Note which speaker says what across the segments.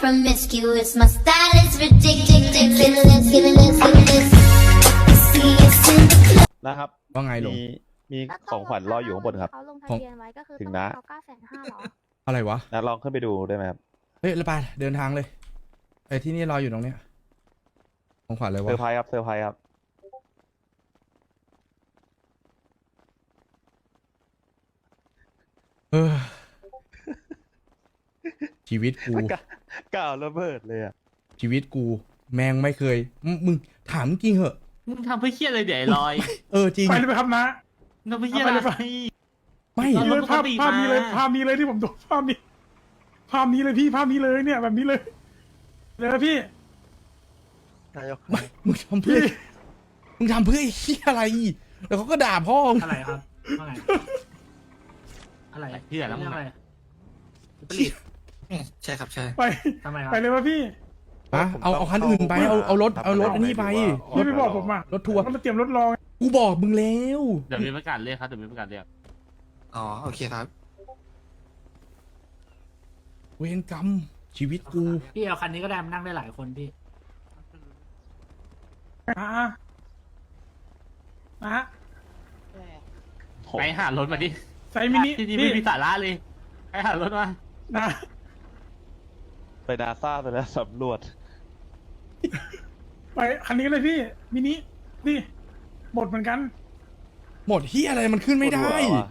Speaker 1: promiscuous. My style is ridiculous. Fearless. See us in the club.
Speaker 2: นะครับ
Speaker 3: ว่าไงหลง
Speaker 2: มีของขวัญรออยู่ข้างบนครับ
Speaker 4: เขาลงทะเบียนไว้ก็คือ
Speaker 2: ถึง
Speaker 4: ต้อง
Speaker 2: นะ
Speaker 4: ให้เขา950,000หรอ
Speaker 3: อะไรวะ
Speaker 2: นะลองขึ้นไปดูได้ไหมครับ
Speaker 3: เฮ้ยแล้วไปเดินทางเลยไอ้ที่นี่รออยู่ตรงเนี้ยของขวัญอะไร
Speaker 2: เซ
Speaker 3: วะ
Speaker 2: อร์ไพรส์ครับเซอร์ไพรส์ครับ
Speaker 3: เออชีวิตกู
Speaker 2: ก้าวระเบิดเลยอ่ะ
Speaker 3: ชีวิตกู แมงไม่เคยมึงถามจริงเหอะ
Speaker 5: มึงทำเพื่อเครียดเลยเดี๋ยวไอ้ลอย
Speaker 3: เออจริง
Speaker 6: ไปเลยไหมครับนะ
Speaker 5: ทำเพื่อเครียดอะไร
Speaker 3: ไม่
Speaker 5: เอา
Speaker 6: นี่เลยภาพ
Speaker 5: ปกติ
Speaker 6: ภาพนี้เลย
Speaker 5: มา
Speaker 6: ภาพนี้เลยที่ผมดูภาพนี้ ภาพนี้เลยพี่ภาพนี้เลยเนี่ยแบบนี้เลยเลยนะพี่
Speaker 3: มึงทำเพื่อมึงทำเพื่อไอ้เหี้ยอะไร แล้วเขาก็ด่าพ่อมึง
Speaker 7: อะไรครับว่าไงอะไร
Speaker 5: เพื่อแล้วมึง
Speaker 7: อะไร
Speaker 5: ผลิต
Speaker 8: ใช่ครับใช่
Speaker 6: ไป
Speaker 7: ทำไมครับ
Speaker 6: ไปเลยวะพี่
Speaker 3: ฮะเอาคันอื่นไปเอารถอันนี้ไป
Speaker 6: พี่ไม่บอกผมอ่ะ
Speaker 3: รถทัวร์
Speaker 6: มันมาเตรียมรถรอง
Speaker 3: กูบอกมึงแล้ว
Speaker 5: เดี๋ยวมีประกาศเรียกครับเดี๋ยวมีประกาศเรียก
Speaker 8: อ๋อโอเคครับ
Speaker 3: เวรกรรมชีวิตกู
Speaker 7: พี่เอาคันนี้ก็ได้มันนั่งได้หลายคนพี่
Speaker 6: อ่ะ
Speaker 5: ไปหารถมาดิ
Speaker 6: ใส่มินิ
Speaker 5: ที่นี่
Speaker 6: พี่
Speaker 5: ไม่มีสาระเลยไปหารถมา
Speaker 6: นะ
Speaker 2: ไปนาซาไปแล้วสำรวจ
Speaker 6: ไปคันนี้เลยพี่มินินี่หมดเหมือนกัน
Speaker 3: หมดเหี้ยอะไรมันขึ้นไม่ได้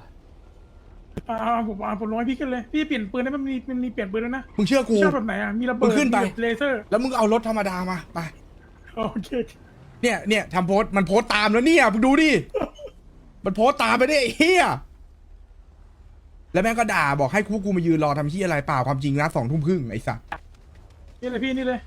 Speaker 6: ผมลงให้พี่ขึ้นเลยพี่เปลี่ยนปืนได้มันมีเปลี่ยนปืนแล้วนะ
Speaker 3: มึงเชื่อกู
Speaker 6: ชอบแบบไหนอ่ะมีระเบิ
Speaker 3: มึ
Speaker 6: ด
Speaker 3: งขึ้นไป
Speaker 6: มีเลเซอร์
Speaker 3: แล้วมึงเอารถธรรมดามาไป
Speaker 6: โอเค
Speaker 3: เนี่ยทำโพสต์มันโพสต์ตามแล้วเนี่ยมึงดูดิ มันโพสต์ตามไปได้ไอ้เฮียแล้วแม่งก็ด่าบอกให้กูมายืนรอทำที่อะไรเปล่าความจริงนะ20:30ไอ้สัส
Speaker 6: นี่เลยพี่นี่เลย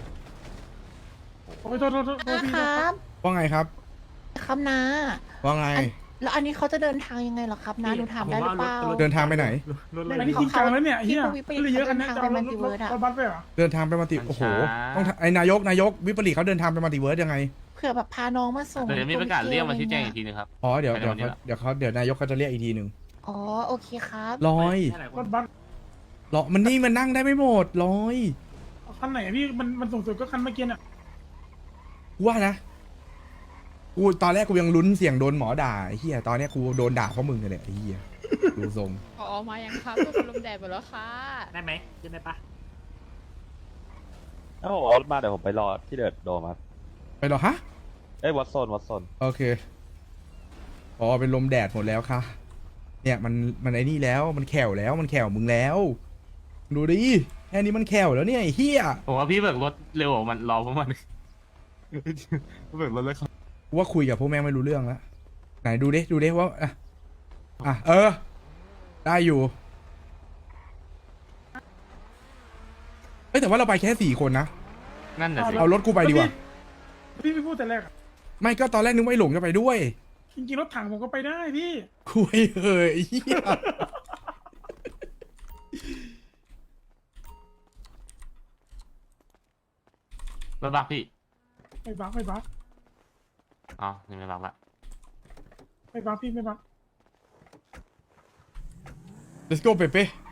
Speaker 6: โอ้ยโทษพี่
Speaker 9: ค
Speaker 6: โทษ
Speaker 9: รับ
Speaker 3: ว่าไงครับ
Speaker 9: ครับนะ
Speaker 3: ว่าไง
Speaker 9: แล้วอันนี้เขาจะเดินทางยังไงเหรอครับนะหนูถามได้หรือเปล่า
Speaker 3: เดินทางไปไหน
Speaker 6: อันนี้จริงจังแล้วเนี่ยเฮีย
Speaker 9: พี่
Speaker 6: ก็เลยเยอะกันนะ
Speaker 9: เดิน
Speaker 6: จะ
Speaker 9: ทาง
Speaker 6: เอา
Speaker 9: ไป
Speaker 6: ร
Speaker 9: มัลติเวิร์สอะ
Speaker 6: ถบัสไปเหรอ
Speaker 3: เดินทางไปมัลติโอ้โหต้องไอ้นายกวิปริตเขาเดินทางไปมัลติเวิร์สยังไง
Speaker 9: เผื่อแบบพาน้องมาส่ง
Speaker 5: เดี๋ยวมีประกาศเรียกมาชี้แจงอีกทีนึงครับ
Speaker 3: อ๋อเดี๋ยว
Speaker 5: ไปในวันนี้ละ
Speaker 3: เดี๋ยวนายกเขาจะเรียกอีกทีหนึ่ง
Speaker 9: อ๋อโอเคครับ
Speaker 3: ลอย
Speaker 7: ได้หลายค
Speaker 6: ร
Speaker 7: น
Speaker 6: ถบัส
Speaker 3: รอมันนี่มันนั่งได้ไม่หมดลอย
Speaker 6: คันไหนอะพี่มันสูงสุดก็คันเมื่อกี้น่ะ
Speaker 3: กูว่านะกูตอนแรกกูยังลุ้นเสียงโดนหมอด่าไอ้เฮียตอนเนี้ยกูโดนด่าเพราะมึงเลยเนี่ยไอ้เฮียดูทรง
Speaker 10: อ๋อมายังครับเพื่อนลมแดดหมดแล้วค่ะ
Speaker 7: ได้ไหมขึ้นได้ปะ
Speaker 2: ถ้าผมเอารถมาเดี๋ยวผมไปรอที่เดินโดมครับ
Speaker 3: ไปเหรอฮะ
Speaker 2: เอ้ยวัดโซน
Speaker 3: โอเคอ๋อเป็นลมแดดหมดแล้วค่ะ เนี่ยมันไอ้นี่แล้วมันแขวแล้วมันแขวมึงแล้ว ดูดิแค่นี้มันแขวแล้วเนี่ยไอ้เฮีย
Speaker 5: ผมว่าพี่เบิกรถเร็วกว่ามันรอพวกมันเบิกรถเลยครับ
Speaker 3: กูว่าคุยกับพวกแม่งไม่รู้เรื่องแล้วไหนดูดิว่าเออ ได้อยู่เอ้ยแต่ว่าเราไปแค่4 คนนะ
Speaker 5: นั่นน่ะสิ
Speaker 3: เอารถกูไปดีกว่า
Speaker 6: พี่ไม่พูดแต่แรกอะ
Speaker 3: ไม่ก็ตอนแรกนึกว่าไอ้หลงจะไปด้วย
Speaker 6: จริงๆรถถังผมก็ไปได้พี่
Speaker 3: คุยเฮ้ยไอ้เหี้ย
Speaker 5: รถบักพี่
Speaker 6: ไม่บัก
Speaker 5: อ๋อยังไม่บักละ
Speaker 6: ไม่บักพี่ไม่บัก
Speaker 3: let's go เป๊ะ